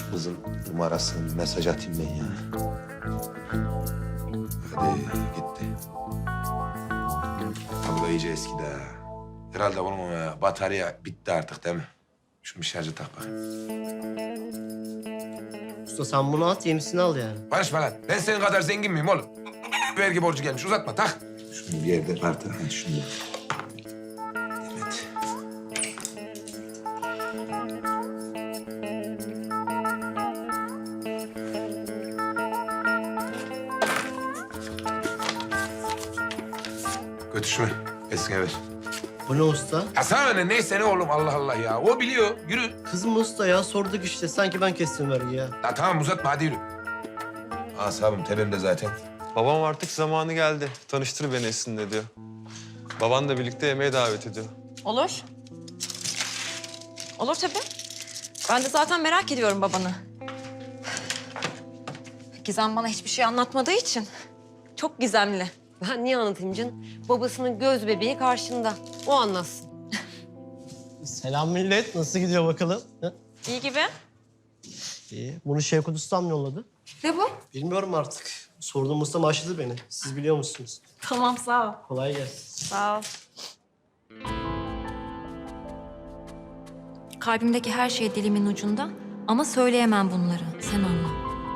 kızın numarasını mesaj atayım ben ya. Hadi gitti. Abi da iyice eskidi ha. Herhalde bunun batarya bitti artık değil mi? Şunu bir şarja tak bakayım. Usta sen bunu at, yenisini al yani. Barışma lan. Ben senin kadar zengin miyim oğlum? Vergi borcu gelmiş. Uzatma tak. Şunu bir yerde artık. Hadi şunu da. Evet. Götür şunu. Eline ver. Bu ne usta? Ya sana ne? Neyse ne oğlum Allah Allah ya. O biliyor. Yürü. Kız mı usta ya? Sorduk işte. Sanki ben kestim vergi ya. Ya tamam uzatma hadi yürü. Asabım tepemde zaten. Babam artık zamanı geldi. Tanıştır beni Esin'le diyor. Baban da birlikte yemeğe davet ediyor. Olur. Olur tabii. Ben de zaten merak ediyorum babanı. Gizem bana hiçbir şey anlatmadığı için çok gizemli. Ben niye anlatayım canım? Babasının göz bebeği karşında. O anlatsın. Selam millet. Nasıl gidiyor bakalım? Ha? İyi gibi. İyi. Bunu Şevkut Ustam yolladı. Ne bu? Bilmiyorum artık. Sorduğum ustam aşıladı beni. Siz biliyor musunuz? Tamam sağ ol. Kolay gelsin. Sağ ol. Kalbimdeki her şey dilimin ucunda ama söyleyemem bunları. Sen anla.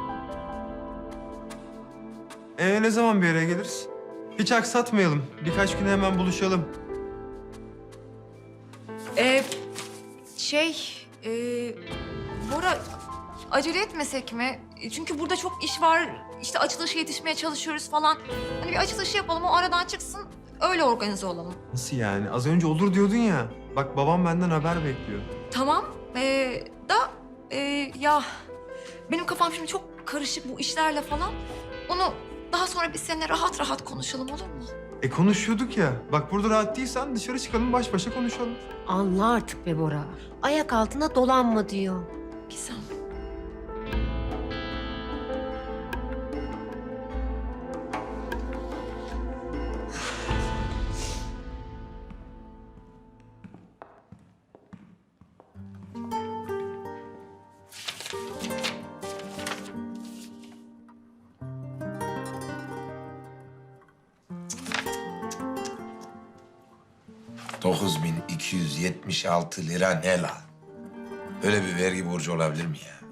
Ne zaman bir araya geliriz? Hiç aksatmayalım. Birkaç güne hemen buluşalım. Bora acele etmesek mi? Çünkü burada çok iş var. İşte açılışa yetişmeye çalışıyoruz falan. Hani bir açılışı yapalım, o aradan çıksın. Öyle organize olalım. Nasıl yani? Az önce olur diyordun ya. Bak babam benden haber bekliyor. Tamam. Ya benim kafam şimdi çok karışık bu işlerle falan. Onu daha sonra biz seninle rahat rahat konuşalım olur mu? Konuşuyorduk ya. Bak burada rahat değilsen dışarı çıkalım baş başa konuşalım. Anla artık be Bora. Ayak altına dolanma diyor. Gizem. ...9.276 lira ne la? Öyle bir vergi borcu olabilir mi ya?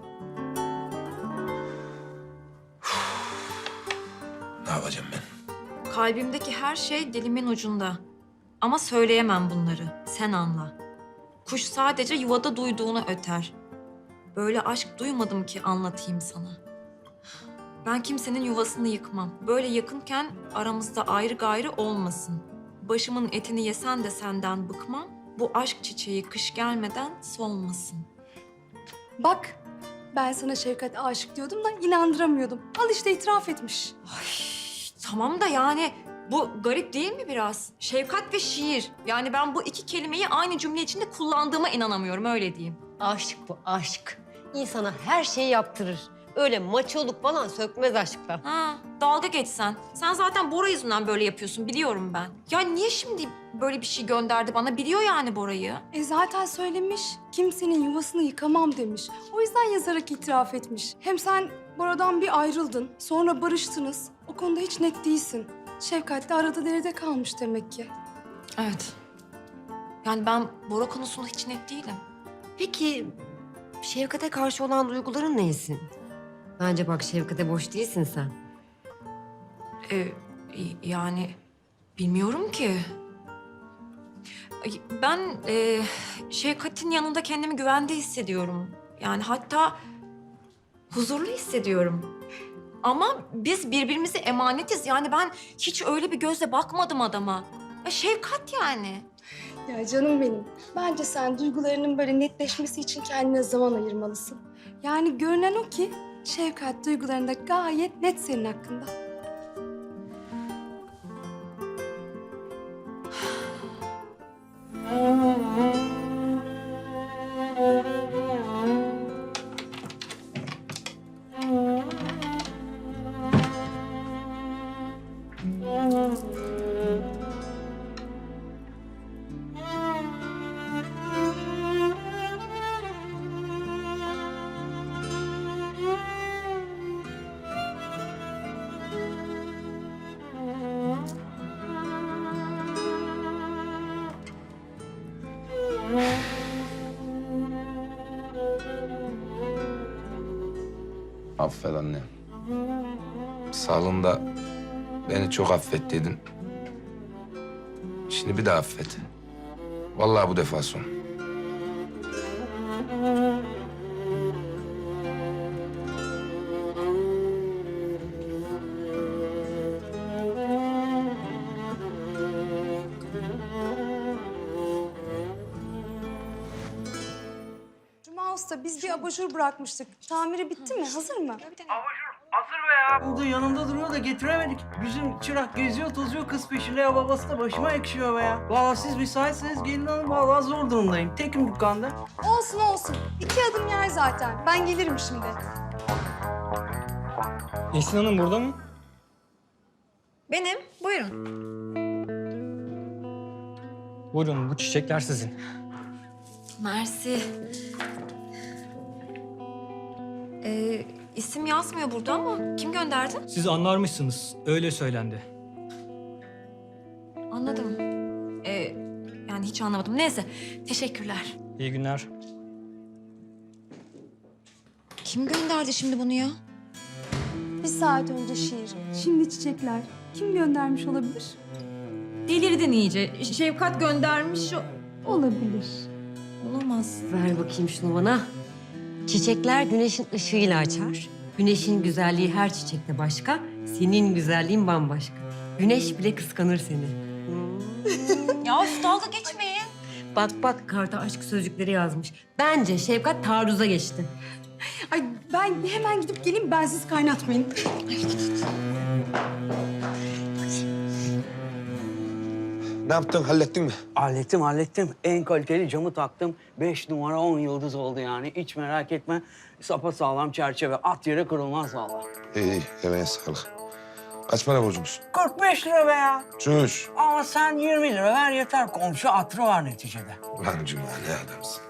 Ne yapacağım ben? Kalbimdeki her şey dilimin ucunda. Ama söyleyemem bunları. Sen anla. Kuş sadece yuvada duyduğunu öter. Böyle aşk duymadım ki anlatayım sana. Ben kimsenin yuvasını yıkmam. Böyle yakınken aramızda ayrı gayrı olmasın. Başımın etini yesen de senden bıkmam. Bu aşk çiçeği kış gelmeden solmasın. Bak, ben sana Şevkat aşık diyordum da inandıramıyordum. Al işte itiraf etmiş. Tamam da yani bu garip değil mi biraz? Şefkat ve şiir. Yani ben bu iki kelimeyi aynı cümle içinde kullandığıma inanamıyorum, öyle diyeyim. Aşk bu, aşk. İnsana her şeyi yaptırır. Öyle maçoluk falan sökmez aşkla. Ha, dalga geçsen. Sen zaten Bora yüzünden böyle yapıyorsun, biliyorum ben. Ya niye şimdi böyle bir şey gönderdi bana? Biliyor yani Bora'yı. Zaten söylemiş, kimsenin yuvasını yıkamam demiş. O yüzden yazarak itiraf etmiş. Hem sen Bora'dan bir ayrıldın, sonra barıştınız. O konuda hiç net değilsin. Şevkat de arada derede kalmış demek ki. Evet. Yani ben Bora konusunda hiç net değilim. Peki Şevkat'e karşı olan duyguların neysin? Bence bak Şevkat'e boş değilsin sen. Yani bilmiyorum ki. Ben Şevkat'in yanında kendimi güvende hissediyorum. Yani hatta huzurlu hissediyorum. Ama biz birbirimize emanetiz. Yani ben hiç öyle bir gözle bakmadım adama. Ya Şevkat yani. Ya canım benim, bence sen duygularının böyle netleşmesi için kendine zaman ayırmalısın. Yani görünen o ki Şevkat duygularında gayet net senin hakkında. Affet anne. Salonda beni çok affettiydin. Şimdi bir daha affet. Vallahi bu defa son. Cuma Usta biz bir abajur bırakmıştık. Tamiri bitti mi? Hazır mı? Hazır be ya. Burada yanımda duruyor da getiremedik. Bizim çırak geziyor tozuyor kız peşinde ya babası da başıma ekşiyor be ya. Vallahi siz müsaitseniz gelin hanım vallahi zor durumdayım. Tekim dükkanda. Olsun olsun. 2 adım yer zaten. Ben gelirim şimdi. Esin Hanım burada mı? Benim, buyurun. Buyurun bu çiçekler sizin. Mersi. İsim yazmıyor burada ama kim gönderdi? Siz anlarmışsınız. Öyle söylendi. Anladım. Yani hiç anlamadım. Neyse, teşekkürler. İyi günler. Kim gönderdi şimdi bunu ya? 1 saat önce şiir. Şimdi çiçekler. Kim göndermiş olabilir? Delirdin iyice. Şevkat göndermiş. Olabilir. Olamaz. Ver bakayım şunu bana. Çiçekler güneşin ışığıyla açar. Güneşin güzelliği her çiçekte başka. Senin güzelliğin bambaşka. Güneş bile kıskanır seni. Ya üf, dalga geçmeyin. Bak bak karta aşk sözcükleri yazmış. Bence Şevkat taarruza geçti. Ay ben hemen gidip geleyim. Bensiz kaynatmayın. Ne yaptın? Hallettin mi? Hallettim. En kaliteli camı taktım. 5 numara 10 yıldız oldu yani. Hiç merak etme. Sapasağlam çerçeve. At yere kırılmaz vallahi. İyi, emeğe sağlık. Kaç para borcumuz? 45 lira be ya. Çüş. Ama sen 20 lira ver yeter. Komşu hatırı var neticede. Ulan Cuma ne adamsın.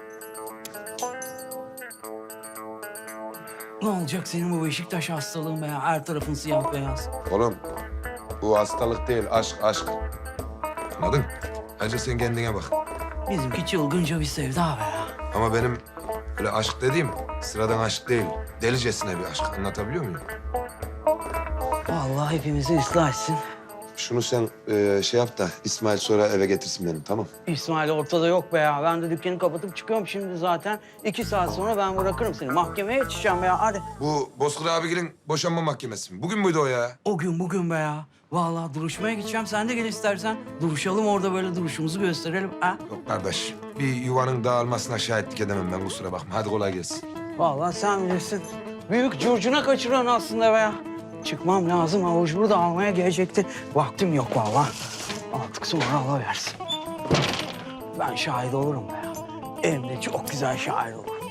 Ne olacak senin bu Beşiktaş hastalığın be ya? Her tarafın siyah beyaz. Oğlum bu hastalık değil, aşk, aşk. Anladın? Ayrıca sen kendine bak. Bizimki çılgınca bir sevda be ya. Ama benim öyle aşk dediğim sıradan aşk değil. Delicesine bir aşk. Anlatabiliyor muyum? Vallahi hepimizi ıslah etsin. Şunu sen şey yap da İsmail sonra eve getirsin benim, tamam? İsmail ortada yok be ya. Ben de dükkanı kapatıp çıkıyorum şimdi zaten. 2 saat sonra ben bırakırım seni. Mahkemeye yetişeceğim be ya. Hadi. Bu Bozkır abigilin boşanma mahkemesi mi? Bugün müydü o ya? O gün bugün be ya. Vallahi duruşmaya gideceğim. Sen de gel istersen. Duruşalım orada böyle duruşumuzu gösterelim. Ha? Yok kardeş. Bir yuvanın dağılmasına şahitlik edemem ben, kusura bakma. Hadi kolay gelsin. Vallahi sen bilirsin. Büyük curcuna kaçıran aslında be ya. Çıkmam lazım. Avucunu da almaya gelecekti. Vaktim yok vallahi. Artık sonra alıversin. Ben şahit olurum be ya. Hem de çok güzel şahit olurum.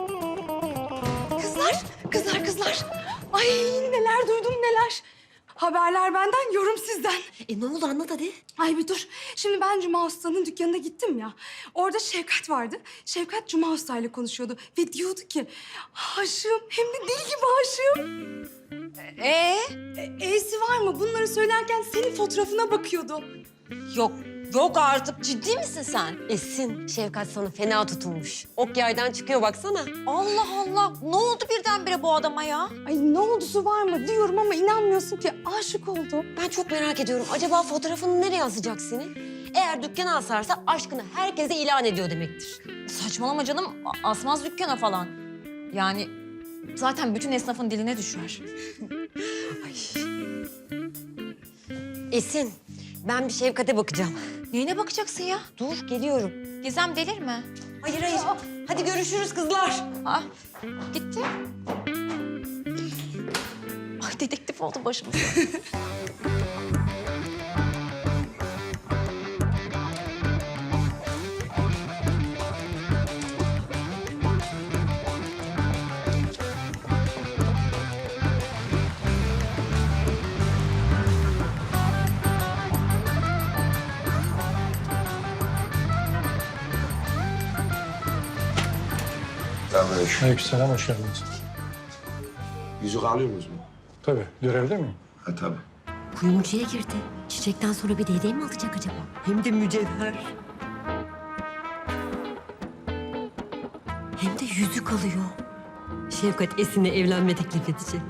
Kızlar. Ay neler duydum neler. Haberler benden, yorum sizden. Ne oldu anlat hadi. Ay bir dur. Şimdi ben Cuma Usta'nın dükkanına gittim ya. Orada Şevkat vardı. Şevkat Cuma Usta ile konuşuyordu. Ve diyordu ki aşığım, hem de deli gibi aşığım. E'si var mı? Bunları söylerken senin fotoğrafına bakıyordu. Yok artık. Ciddi misin sen? Esin, Şevkat sana fena tutulmuş. Ok yaydan çıkıyor baksana. Allah Allah. Ne oldu birdenbire bu adama ya? Ay ne oldusu var mı diyorum ama inanmıyorsun ki aşık oldu. Ben çok merak ediyorum. Acaba fotoğrafını nereye asacak senin? Eğer dükkana asarsa aşkını herkese ilan ediyor demektir. Saçmalama canım. Asmaz dükkana falan. Yani zaten bütün esnafın diline düşer. Esin, ben bir Şevkat'e bakacağım. Neyine bakacaksın ya? Dur, geliyorum. Gizem delirme. Hayır. Hadi görüşürüz kızlar. Ah, gitti. Ay dedektif oldu başımıza. Selamünaleyküm. Aleykümselam, hoş geldiniz. Yüzük alıyor muyuz mu? Tabii, görevde miyim? Ha tabii. Kuyumcuya girdi. Çiçekten sonra bir de hediye mi alacak acaba? Hem de mücevher. Hem de yüzük alıyor. Şefkat Esin'le evlenme teklif edecek.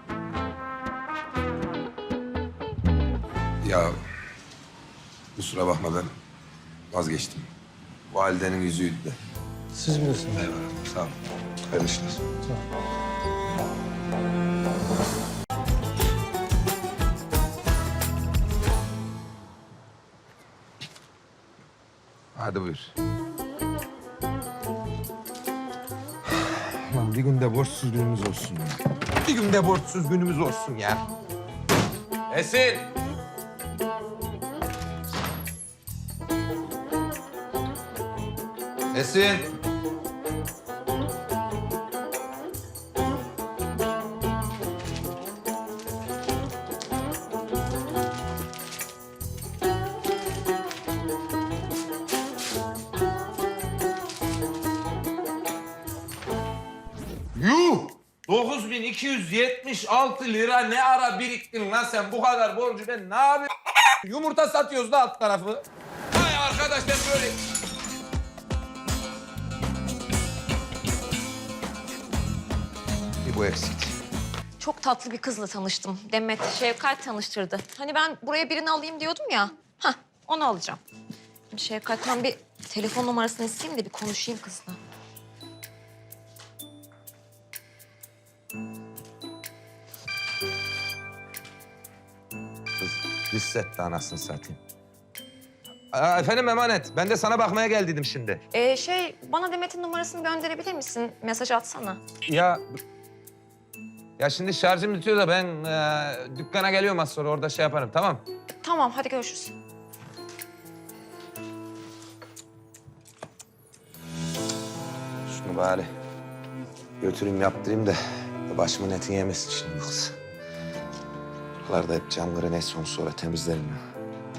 Ya kusura bakma ben vazgeçtim. Validenin yüzüydü de. Siz bilirsiniz. Eyvallah sağ ol. Hayırlı işler. Hadi buyur. Lan bir günde borçsuz günümüz olsun ya. Bir günde borçsuz günümüz olsun ya. Esin! Esin! Yuh! 9.276 lira ne ara biriktin lan sen bu kadar borcu ben ne yapayım? Yumurta satıyoruz da alt tarafı. Vay arkadaş ben böyle... Bir bu eksikti. Çok tatlı bir kızla tanıştım. Demet, Şevkat tanıştırdı. Hani ben buraya birini alayım diyordum ya. Hah, onu alacağım. Şimdi Şevkat'tan bir telefon numarasını isteyeyim de bir konuşayım kızla. Kız hissetti anasını satayım. Efendim emanet. Ben de sana bakmaya geldiydim şimdi. Bana Demet'in numarasını gönderebilir misin? Mesaj atsana. Ya şimdi şarjım bitiyor da ben dükkana geliyorum az sonra orada şey yaparım tamam. Tamam, hadi görüşürüz. Şunu bari götüreyim yaptırayım da başımın etini yemesin şimdi bu kız. Buralarda hep camları ne son sonra temizlerim ya.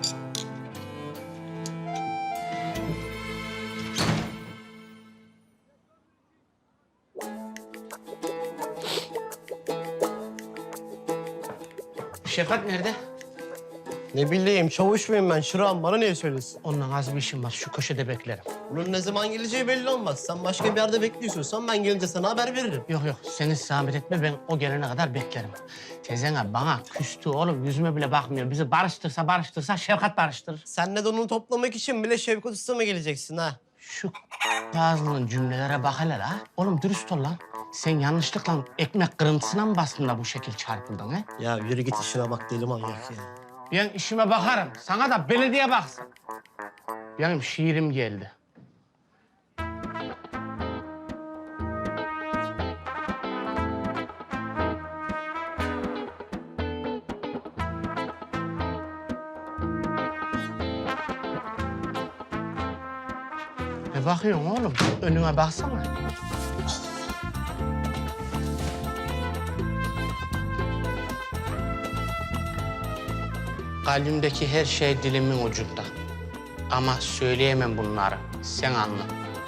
Şefkat nerede? Ne bileyim çavuş muyum ben Şırak'ım bana niye söylesin? Onunla az bir işim var. Şu köşede beklerim. Bunun ne zaman geleceği belli olmaz. Sen başka bir yerde bekliyorsan ben gelince sana haber veririm. Yok sen hiç zahmet etme. Ben o gelene kadar beklerim. Teyzen bana küstü oğlum. Yüzüme bile bakmıyor. Bizi barıştırsa Şefkat barıştırır. Sen de donunu toplamak için bile Şevkat Usta'ma geleceksin ha. Şu ağzının cümlelere bak hele la. Oğlum dürüst ol lan. Sen yanlışlıkla ekmek kırıntısına mı bastın da bu şekil çarpıldın he? Ya yürü git işine bak deli manyak ya. Ben işime bakarım. Sana da belediye baksın. Benim şiirim geldi. Ne bakıyorsun oğlum? Önüne baksana. Kalbimdeki her şey dilimin ucunda. Ama söyleyemem bunları. Sen anla.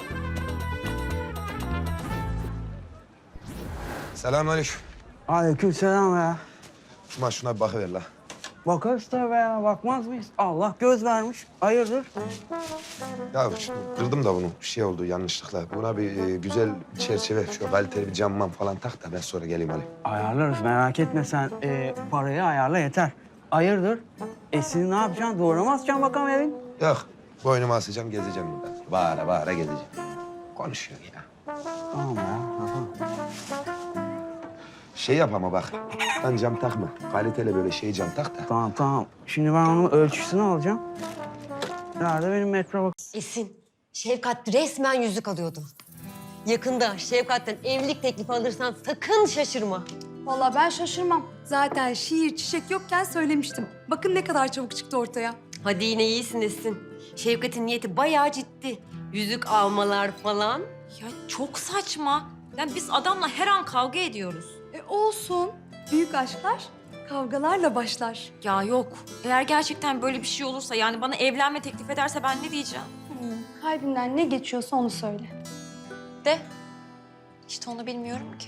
Selamünaleyküm. Aleykümselam ya. Şuna bir bakıver la. Bakarız tabii ya. Bakmaz mıyız? Allah göz vermiş. Hayırdır? Ya şimdi kırdım da bunu. Bir şey oldu yanlışlıkla. Buna bir güzel çerçeve, şu kaliteli bir camman falan tak da ben sonra geleyim alayım. Ayarlarız. Merak etme sen. Parayı ayarla yeter. Hayırdır? Esin'i ne yapacaksın? Duvara mı asacaksın bakalım evin? Yok, boynumu asacağım, gezeceğim burada. Bağıra bağıra gezeceğim. Konuşuyor ya. Tamam ya. Tamam. Şey yap ama bak, lan cam takma. Kaliteli böyle şey cam tak da. Tamam. Şimdi ben onun ölçüsünü alacağım. Nerede benim metro bak. Esin, Şevkat resmen yüzük alıyordu. Yakında Şevkat'ten evlilik teklifi alırsan sakın şaşırma. Vallahi ben şaşırmam. Zaten şiir çiçek yokken söylemiştim. Bakın ne kadar çabuk çıktı ortaya. Hadi yine iyisin Esin. Şevkat'in niyeti bayağı ciddi. Yüzük almalar falan. Ya çok saçma. Yani biz adamla her an kavga ediyoruz. Olsun. Büyük aşklar kavgalarla başlar. Ya yok. Eğer gerçekten böyle bir şey olursa yani bana evlenme teklif ederse ben ne diyeceğim? Kalbinden ne geçiyorsa onu söyle. De. İşte onu bilmiyorum ki.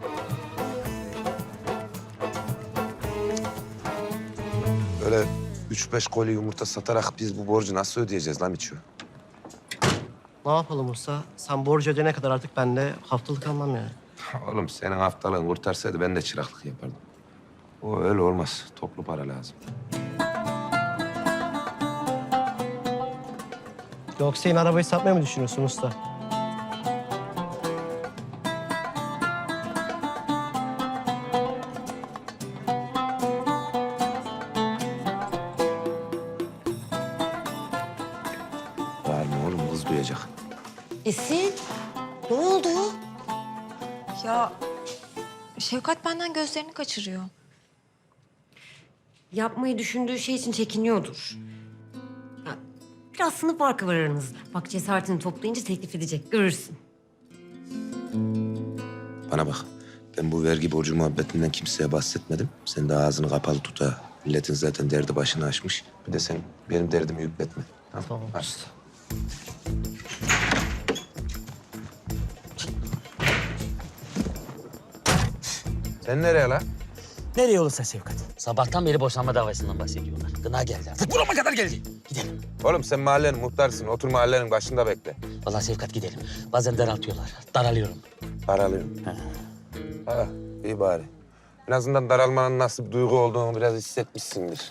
Böyle 3-5 koli yumurta satarak biz bu borcu nasıl ödeyeceğiz lan Miço? Ne yapalım usta? Sen borcu ödeyene kadar artık ben de haftalık almam yani. Oğlum senin haftalığın kurtarsaydı ben de çıraklık yapardım. O öyle olmaz. Toplu para lazım. Yoksa yine arabayı satmayı mı düşünüyorsun usta? Var mı oğlum? Kız duyacak. Esin, ne oldu? Ya Şevkat benden gözlerini kaçırıyor. Yapmayı düşündüğü şey için çekiniyordur. Ya, biraz sınıf farkı var aranızda. Bak cesaretini toplayınca teklif edecek, görürsün. Bana bak. Ben bu vergi borcu muhabbetinden kimseye bahsetmedim. Sen de ağzını kapalı tut ha. Milletin zaten derdi başını aşmış. Bir de sen benim derdimi yükletme. Tamam. Hadi. Sen nereye lan? Nereye olursa Şevkat. Sabahtan beri boşanma davasından bahsediyorlar. Gına geldi artık. Burama kadar geldi. Gidelim. Oğlum sen mahallenin muhtarsın. Otur mahallenin başında bekle. Vallahi Şevkat gidelim. Bazen daraltıyorlar. Daralıyorum. Daralıyorum. Ha, iyi bari. En azından daralmanın nasıl bir duygu olduğunu biraz hissetmişsindir.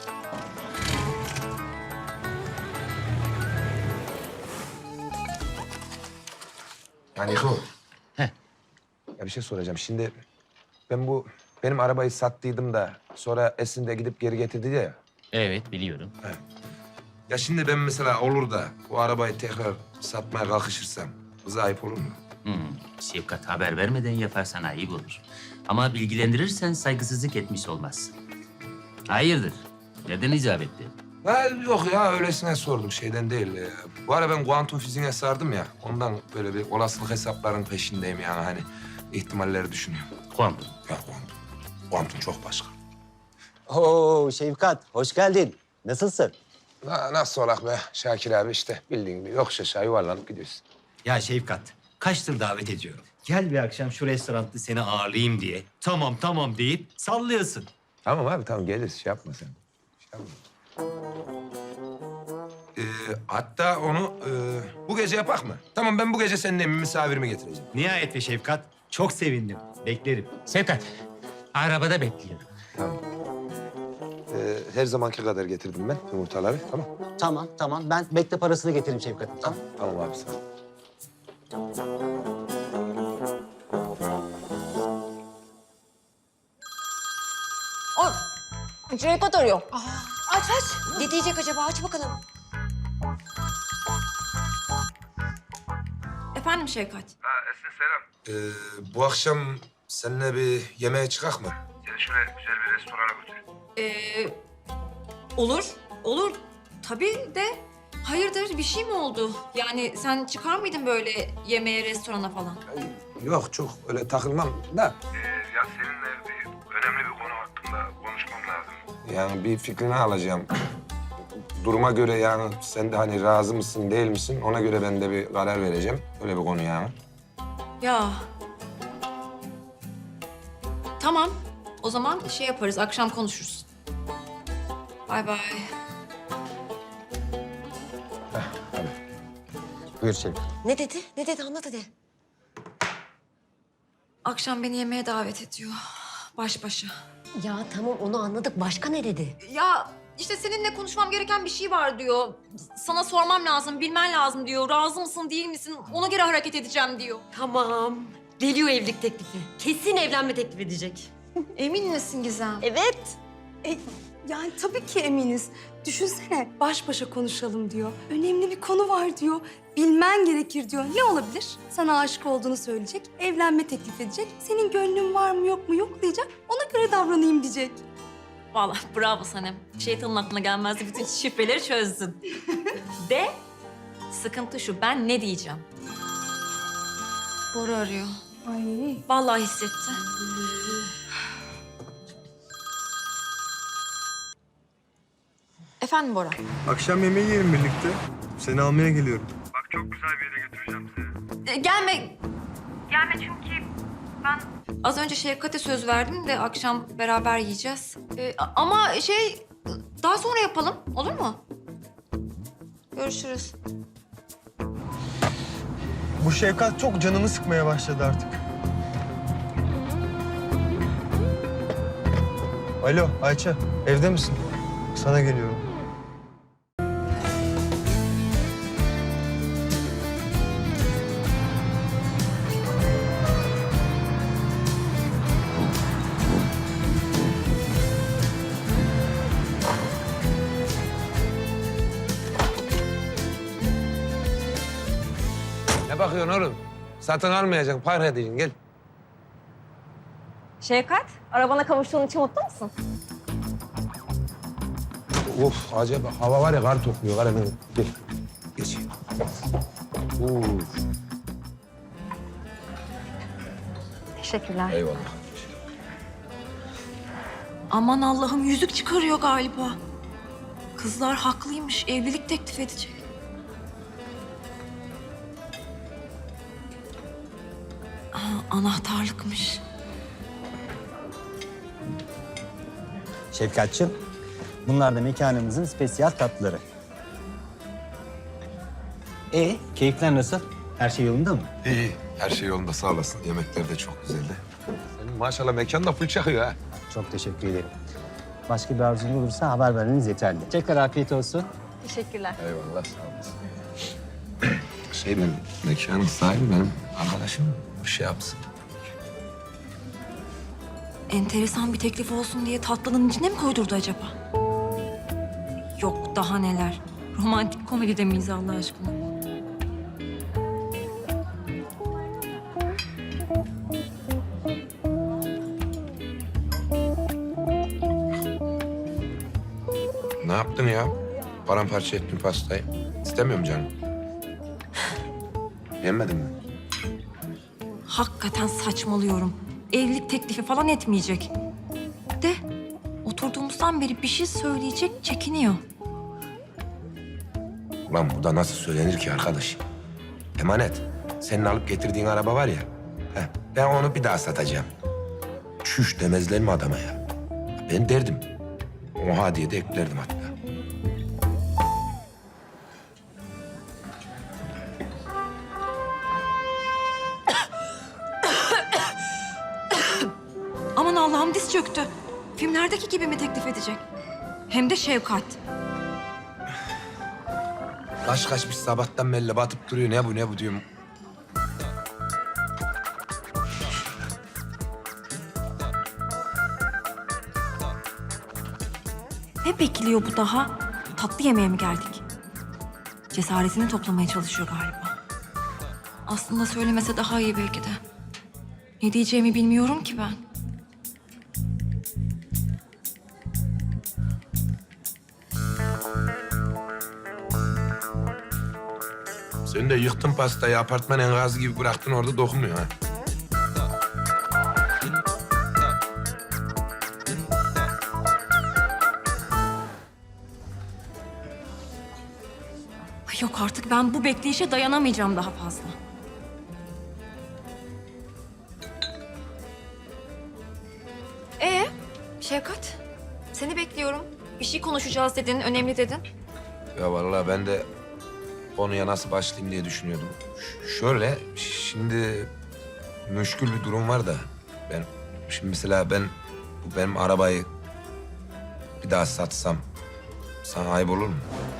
Yani bu. Heh. Ya bir şey soracağım. Şimdi benim arabayı sattıydım da sonra Esin de gidip geri getirdi ya. Evet biliyorum. Ya şimdi ben mesela olur da bu arabayı tekrar satmaya kalkışırsam kıza ayıp olur mu? Şevkat haber vermeden yaparsan ayıp olur. Ama bilgilendirirsen saygısızlık etmiş olmazsın. Hayırdır? Neden icap etti? Ha, yok ya öylesine sordum şeyden değil. Bu ara ben kuantum fiziğine sardım ya. Ondan böyle bir olasılık hesaplarının peşindeyim yani hani ihtimalleri düşünüyorum. Kuantum. Ya kuantum. Kuantum çok başka. Oo Şevkat, hoş geldin. Nasılsın? Nasıl olak be Şakir abi işte bildiğin gibi yokuş aşağı yuvarlanıp gidiyorsun. Ya Şevkat, kaçtır davet ediyorum. Gel bir akşam şu restoranda seni ağırlayayım diye. Tamam tamam deyip sallıyorsun. Tamam abi tamam geliriz şey yapma sen. Şey yapma. Hatta onu bu gece yapak mı? Tamam ben bu gece seninle misafirimi getireceğim. Nihayet be Şevkat, çok sevindim. Beklerim. Şevkat, arabada bekliyorum. Tamam. Her zamanki kadar getirdim ben yumurtaları tamam. Tamam. Ben bekle parasını getiririm Şevkat. Tamam. Tamam abi sağ ol. Şevkat arıyor. Aç aç. Ne diyecek acaba? Aç bakalım. Efendim Şevkat. Bu akşam seninle bir yemeğe çıkak mı? Seni şöyle güzel bir restorana götüreyim. Olur. Tabii de hayırdır bir şey mi oldu? Yani sen çıkar mıydın böyle yemeğe, restorana falan? Yok çok öyle takılmam da. Ya seninle önemli bir konu hakkında konuşmam lazım. Yani bir fikrini alacağım. Duruma göre yani sen de hani razı mısın değil misin ona göre ben de bir karar vereceğim. Öyle bir konu yani. Ya. Tamam. O zaman şey yaparız, akşam konuşuruz. Bay bay. Buyur Şevkat. Ne dedi? Ne dedi? Anlat hadi. Akşam beni yemeğe davet ediyor. Baş başa. Ya tamam onu anladık. Başka ne dedi? Ya işte seninle konuşmam gereken bir şey var diyor. Sana sormam lazım, bilmen lazım diyor. Razı mısın, değil misin? Ona göre hareket edeceğim diyor. Tamam. Geliyor evlilik teklifi. Kesin evlenme teklif edecek. Emin misin Gizem? Evet. Yani tabii ki eminiz. Düşünsene baş başa konuşalım diyor. Önemli bir konu var diyor. Bilmen gerekir diyor. Ne olabilir? Sana aşık olduğunu söyleyecek. Evlenme teklif edecek. Senin gönlün var mı yok mu yoklayacak. Ona göre davranayım diyecek. Vallahi bravo Sanem. Şeytanın aklına gelmezdi. Bütün şifreleri çözdün. De sıkıntı şu, ben ne diyeceğim? Bora arıyor. Ay. Vallahi hissetti. Efendim Bora? Akşam yemeği yiyelim birlikte. Seni almaya geliyorum. Bak çok güzel bir yere götüreceğim seni. Gelme. Gelme çünkü ben... Az önce Şevkat'e söz verdim de akşam beraber yiyeceğiz. Ama Daha sonra yapalım, olur mu? Görüşürüz. Bu Şevkat çok canımı sıkmaya başladı artık. Alo Ayça, evde misin? Sana geliyorum. Ne bakıyorsun oğlum? Satın almayacaksın, para edeceksin. Gel. Şevkat, arabana kavuştuğun için mutlu musun? Of, acaba hava var ya, kar topluyor. Kar hemen. Gel. Geç. Of. Teşekkürler. Eyvallah. Aman Allah'ım, yüzük çıkarıyor galiba. Kızlar haklıymış, evlilik teklif edecek. Aa, anahtarlıkmış. Şefkatçığım, bunlar da mekanımızın spesiyal tatlıları. Keyifler nasıl? Her şey yolunda mı? İyi, her şey yolunda, sağ olasın. Yemekler de çok güzeldi. Senin maşallah mekan da full çakıyor ha. Çok teşekkür ederim. Başka bir arzunuz olursa haber vermeniz yeterli. Tekrar afiyet olsun. Teşekkürler. Eyvallah, sağ olasın. Benim mekanın sahibi benim arkadaşım. Bir şey yapsın. Enteresan bir teklif olsun diye tatlının içine mi koydurdu acaba? Yok, daha neler. Romantik komedide miyiz Allah aşkına? Ne yaptın ya? Paramparça ettin pastayı. İstemiyorum canım. Yenmedin mi? Hakikaten saçmalıyorum. Evlilik teklifi falan etmeyecek. De oturduğumuzdan beri bir şey söyleyecek, çekiniyor. Ulan bu da nasıl söylenir ki arkadaş? Emanet, senin alıp getirdiğin araba var ya... ben onu bir daha satacağım. Çüş demezler mi adama ya? Ben derdim. Oha diye de eklerdim hatta. Aman Allah'ım, diz çöktü. Filmlerdeki gibi mi teklif edecek? Hem de Şevkat. Kaç kaçmış sabahtan belli batıp duruyor. Ne bu diyorum. Ne bekliyor bu daha? Tatlı yemeğe mi geldik? Cesaretini toplamaya çalışıyor galiba. Aslında söylemese daha iyi belki de. Ne diyeceğimi bilmiyorum ki ben. Sen de yıktın pastayı, apartman enkazı gibi bıraktın orada, dokunmuyor ha. Ay yok artık, ben bu bekleyişe dayanamayacağım daha fazla. Şevkat, seni bekliyorum. Bir şey konuşacağız dedin, önemli dedin. Ya vallahi ben de konuya nasıl başlayayım diye düşünüyordum. Şöyle, şimdi müşkül bir durum var da... Şimdi mesela bu benim arabayı bir daha satsam sana ayıp olur mu?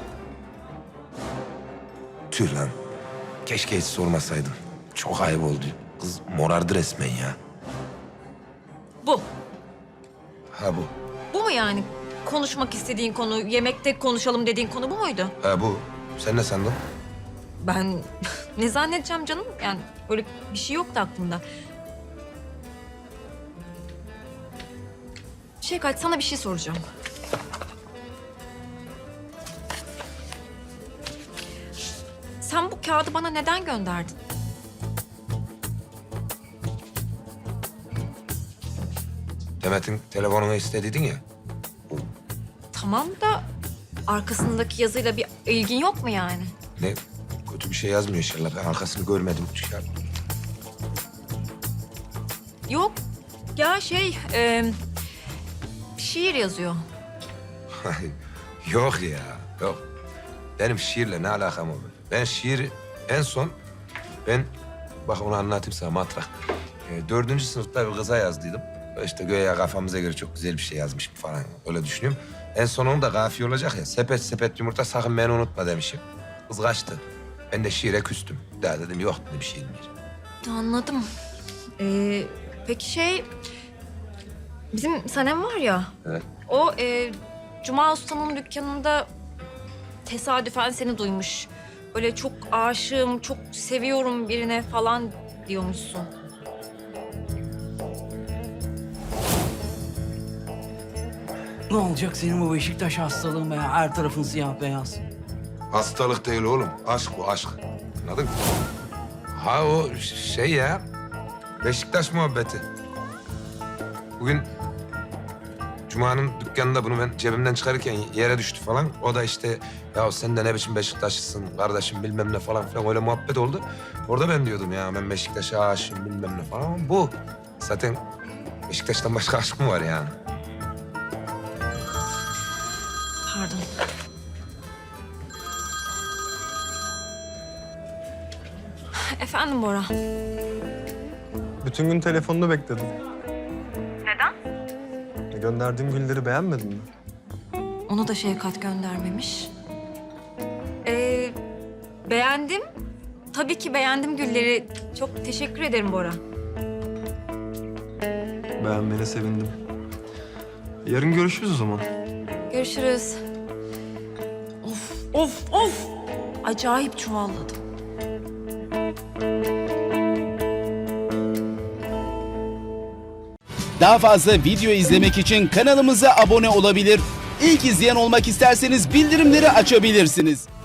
Tüh lan. Keşke hiç sormasaydım. Çok ayıp oldu. Kız morardı resmen ya. Bu. Ha bu. Bu mu yani? Konuşmak istediğin konu, yemekte konuşalım dediğin konu bu muydu? Ha bu. Sen ne sandın? Ben ne zannedeceğim canım? Yani öyle bir şey yoktu aklımda. Şevkat, sana bir şey soracağım. Sen bu kağıdı bana neden gönderdin? Demet'in telefonunu istediydin ya. Tamam da arkasındaki yazıyla bir ilgin yok mu yani? Ne? Kötü bir şey yazmıyor inşallah. Ben arkasını görmedim. Yok. Ya şiir yazıyor. Yok ya, yok. Benim şiirle ne alakam olur? Ben şiiri en son, bak onu anlatayım sana matrak. 4. sınıfta bir kıza yazdıydım. İşte göğe kafamıza göre çok güzel bir şey yazmışım falan. Öyle düşünüyorum. En son onun da kafiye olacak ya. Sepet sepet yumurta sakın beni unutma demişim. Kız kaçtı. Ben de şiire küstüm. Daha dedim yok dedi bir şey değil. Anladım. Peki bizim Sanem var ya. Evet. O Cuma Usta'nın dükkanında tesadüfen seni duymuş. Böyle çok aşığım, çok seviyorum birine falan diyormuşsun. Ne olacak senin bu Beşiktaş hastalığın be ya? Her tarafın siyah beyaz. Hastalık değil oğlum. Aşk bu aşk. Anladın mı? Ha o şey ya. Beşiktaş muhabbeti. Bugün Cuma'nın dükkanında bunu ben cebimden çıkarırken yere düştü falan. O da işte ya sen de ne biçim Beşiktaşlısın kardeşim bilmem ne falan filan öyle muhabbet oldu. Orada ben diyordum ya ben Beşiktaş'a aşığım bilmem ne falan. Ama bu zaten Beşiktaş'tan başka aşk mı var yani? Pardon. Efendim Bora. Bütün gün telefonunu bekledim. Neden? Gönderdiğim gülleri beğenmedin mi? Onu da Şevkat göndermemiş. Beğendim. Tabii ki beğendim gülleri. Çok teşekkür ederim Bora. Beğenmene sevindim. Yarın görüşürüz o zaman. Görüşürüz. Of. Acayip çuvalladım. Daha fazla video izlemek için kanalımıza abone olabilir. İlk izleyen olmak isterseniz bildirimleri açabilirsiniz.